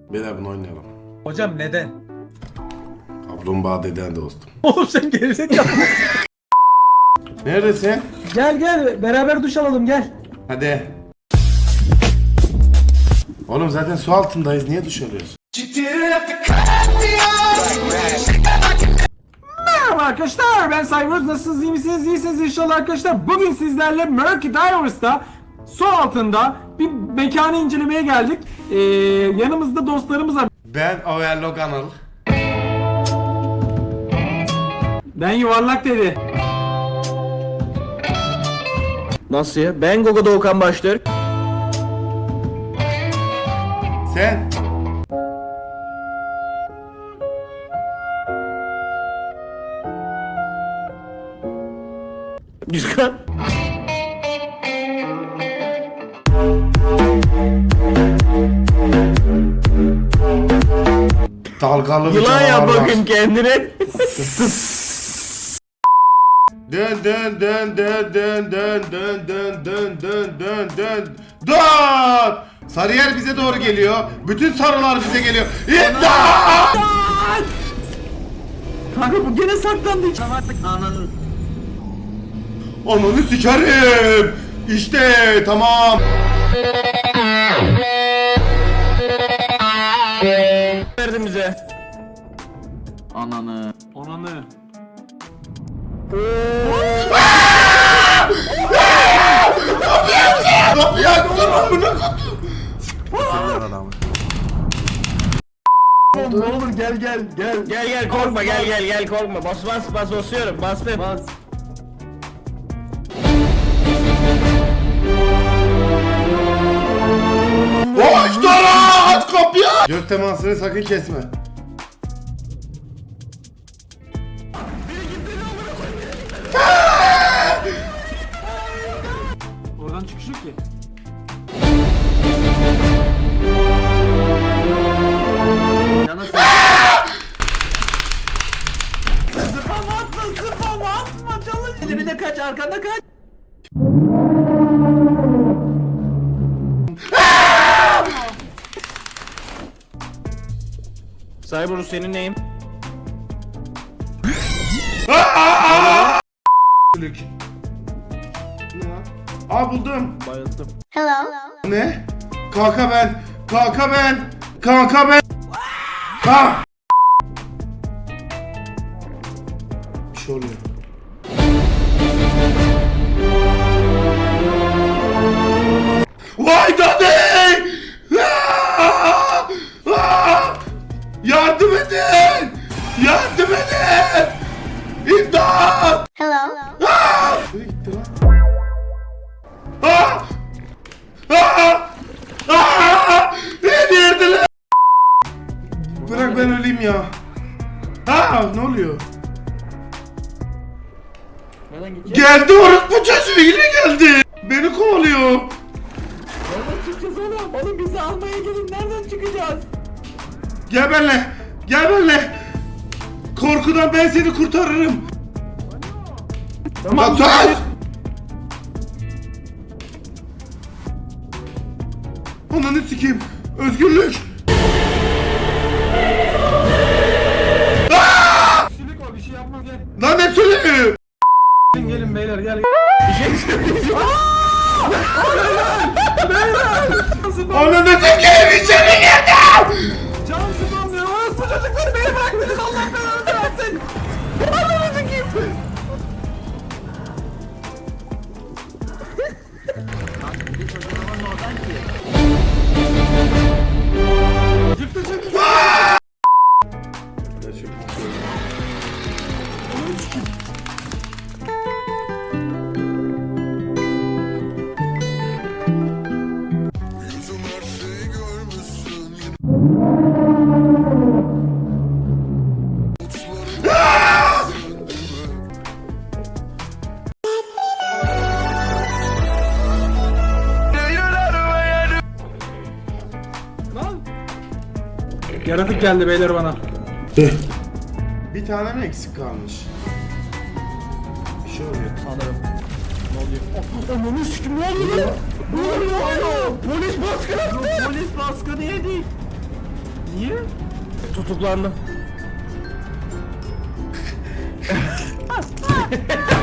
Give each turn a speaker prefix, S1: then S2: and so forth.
S1: Beyler bunu oynayalım.
S2: Hocam neden?
S1: Kaplumbağa deden dostum.
S2: Oğlum sen gerizekalı.
S1: Neredesin?
S2: Gel gel beraber duş alalım gel.
S1: Hadi. Oğlum zaten su altındayız. Niye duş alıyoruz?
S2: Merhaba arkadaşlar, ben Cyber. Nasılsınız, iyi misiniz? İyisiniz inşallah arkadaşlar. Bugün sizlerle Murky Divers'ta su altında bir mekanı incelemeye geldik. Yanımızda dostlarımız var.
S1: Ben Overlock Anıl.
S2: Ben yuvarlak dedi.
S3: Nasıl ya? Ben Gogo Doğukan Baştürk.
S1: Sen?
S3: Güzel.
S1: Dalgalı bir
S3: Yılan
S1: canavar
S3: yap
S1: var.
S3: bakayım kendine.
S1: Dön dön dön dön dön dön dön dön dön dön dön dön. Dön! Sarıyer bize doğru geliyor. Bütün sarılar bize geliyor. İmdat!
S2: Kanka bu gene saklandı.
S1: Ananı sikerim. İşte tamam.
S3: Verdin bize. Ananı.
S2: Ananı.
S1: Kapıyı açsana amına
S2: Ne olur gel gel gel.
S3: Gel gel korkma gel korkma. Bas basıyorum bastım.
S2: Bas.
S1: Boş dara! Aç kapıyı! Göz temasını sakın kesme.
S2: Oradan çıkış yok ki. Yana sen. Spam atma çalış. Bir de kaç arkanda kaç.
S3: Cyber senin neyim?
S1: Lük. Ne lan? Aa buldum.
S3: Bayıldım.
S1: Ne? Kanka ben. Kanka ben. Kanka ben. Ha! Bir şey oluyor. Vay dadey! Aa! Aa! Yardım edin! Yardım edin! İmdat! Aa! Nereye gitti lan? Aa! Aa! Aa! Beni yerdiler! Bırak ben öleyim ya. Ha ne oluyor?
S2: Nereden gideceğiz?
S1: Geldi orospu çocuğu yine geldi. Beni kovalıyor.
S2: Nereden çıkacağız oğlum? Oğlum bizi almaya gelin. Nereden çıkacağız?
S1: Gel benimle. Gel benimle. Korkudan ben seni kurtarırım.
S2: Tamam.
S1: Sus! Ananı sikeyim. Özgürlük.
S2: Sülük o bir şey yapmaz gel.
S1: Lan ne söylüyor?
S2: Gelin beyler gel.
S1: Ananı sikeyim içeri girdi.
S2: Can sıkılmıyor. Orası bu çocukları beni bıraktınız. Allah belanı versin. Ananı sikeyim. Çıktı çıktı. Lan. Yaratık geldi beyler bana.
S1: Bir tane mi eksik kalmış? Bir şey oluyor.
S3: Sanırım. Ne oluyor?
S2: Ananı sikim ne oluyor lan? Ne oluyor? Polis baskını attı. Polis baskını yedi. Niye?
S3: Tutuklandım.